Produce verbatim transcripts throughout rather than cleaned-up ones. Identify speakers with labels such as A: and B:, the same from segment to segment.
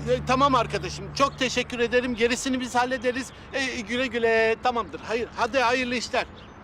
A: e, tamam arkadaşım. Çok teşekkür ederim. Gerisini biz hallederiz. E, güle güle. Tamamdır. Hayır. Hadi hayırlı işler.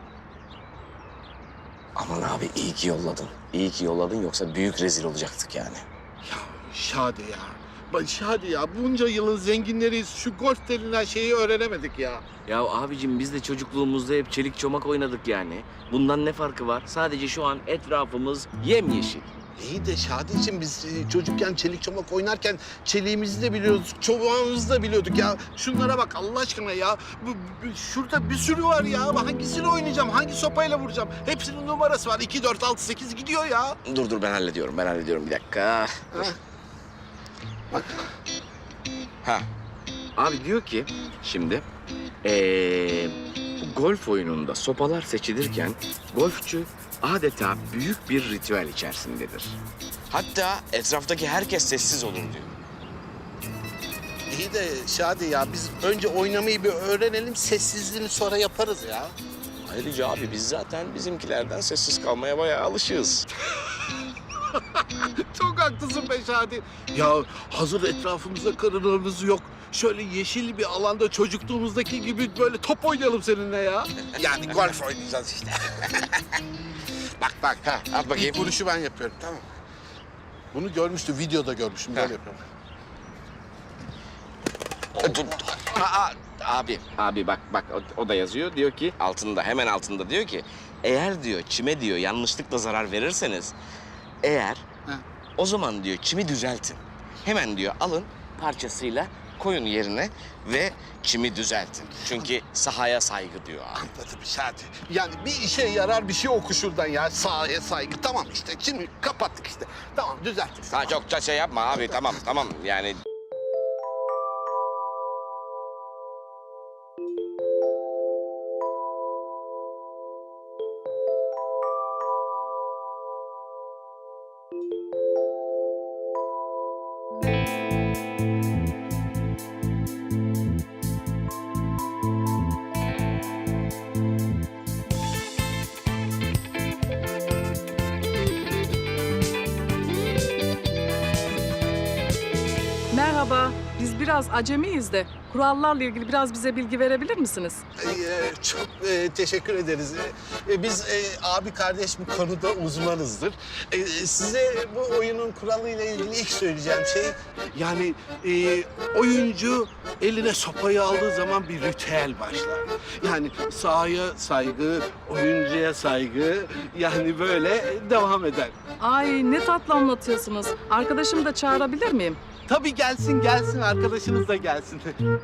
B: Aman abi iyi ki yolladın. İyi ki yolladın yoksa büyük rezil olacaktık yani.
A: Ya Şadi ya. Bak Şadi ya. Bunca yılın zenginleriyiz. Şu golf denilen şeyi öğrenemedik ya.
B: Ya abicim biz de çocukluğumuzda hep çelik çomak oynadık yani. Bundan ne farkı var? Sadece şu an etrafımız yemyeşil.
A: İyi de Şadi'cim biz e, çocukken çelik çomak oynarken çeliğimizi de biliyorduk, çobağımızı da biliyorduk ya. Şunlara bak Allah aşkına ya. Bu, bu- şurada bir sürü var ya. Hangisini oynayacağım, hangi sopayla vuracağım? Hepsinin numarası var. iki, dört, altı, sekiz gidiyor ya.
B: Dur dur ben hallediyorum ben hallediyorum bir dakika.
A: Ha. Bak.
B: Ha. Abi diyor ki şimdi ee, bu golf oyununda sopalar seçilirken golfçü adeta büyük bir ritüel içerisindedir. Hatta etraftaki herkes sessiz olur diyor.
A: İyi de Şadi ya biz önce oynamayı bir öğrenelim. Sessizliğini sonra yaparız ya.
B: Ayrıca abi biz zaten bizimkilerden sessiz kalmaya bayağı alışığız.
A: Çok haklısın be Şadi. Ya hazır etrafımızda karınlarımız yok. Şöyle yeşil bir alanda çocukluğumuzdaki gibi böyle top oynayalım seninle ya. Yani golf oynayacağız işte. bak bak ha.
B: At bakayım.
A: İlk vuruşu ben yapıyorum tamam mı? Bunu görmüştüm, videoda görmüştüm. Böyle yapıyorum.
B: Dur. Aa, abi, abi bak bak o, o da yazıyor. Diyor ki altında hemen altında diyor ki eğer diyor çime diyor yanlışlıkla zarar verirseniz eğer
A: Ha.
B: o zaman diyor çimi düzeltin. Hemen diyor alın parçasıyla koyun yerine ve çimi düzeltin. Çünkü sahaya saygı diyor abi.
A: Anladım Şadi. Yani bir işe yarar bir şey oku şuradan ya. Sahaya saygı. Tamam işte. Şimdi kapattık işte. Tamam düzelttik.
B: Ha çok da şey yapma abi tamam tamam yani.
C: Merhaba, biz biraz acemiyiz de kurallarla ilgili biraz bize bilgi verebilir misiniz?
A: Ee, çok e, teşekkür ederiz. Ee, biz e, abi kardeş bu konuda uzmanızdır. Ee, size bu oyunun kuralıyla ilgili ilk söyleyeceğim şey... Yani e, oyuncu eline sopayı aldığı zaman bir ritüel başlar. Yani sahaya saygı, oyuncuya saygı yani böyle devam eder.
C: Ay ne tatlı anlatıyorsunuz. Arkadaşımı da çağırabilir miyim?
A: Tabii gelsin gelsin arkadaşınız da gelsin.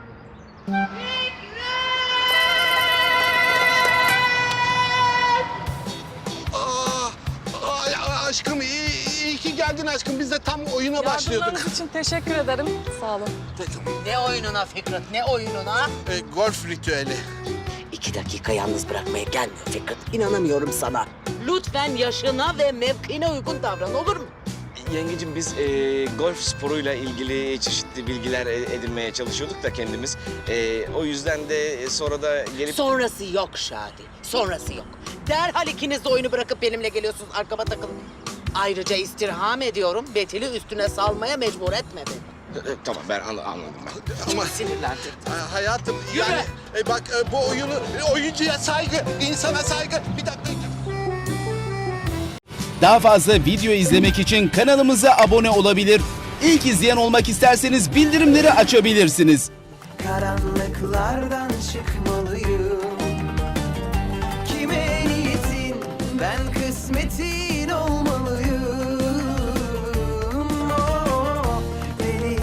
A: Aa, ay, aşkım iyi, iyi ki geldin aşkım. Biz de tam oyuna başlıyorduk.
C: Yardımlarınız için teşekkür ederim. Sağ olun.
D: Ne oyununa Fikret, ne oyununa?
A: E, golf ritüeli.
E: İki dakika yalnız bırakmaya gelmiyor Fikret. İnanamıyorum sana.
D: Lütfen yaşına ve mevkine uygun davran, olur mu?
B: Yengecim biz e, golf sporuyla ilgili çeşitli bilgiler e, edinmeye çalışıyorduk da kendimiz. E, o yüzden de sonra da gelip...
D: Sonrası yok Şadi, sonrası yok. Derhal ikiniz de oyunu bırakıp benimle geliyorsunuz, arkama takılın. Ayrıca istirham ediyorum, Betül'ü üstüne salmaya mecbur etme beni.
B: E, tamam ben anla- anladım ben.
A: Ama
D: Sinirlendim.
A: ha- hayatım
D: Yürü.
A: yani e, bak e, bu oyunu e, oyuncuya saygı, insana saygı. Bir dakika.
F: Daha fazla video izlemek için kanalımıza abone olabilir. İlk izleyen olmak isterseniz bildirimleri açabilirsiniz.
G: Karanlıklardan çıkmalıyım.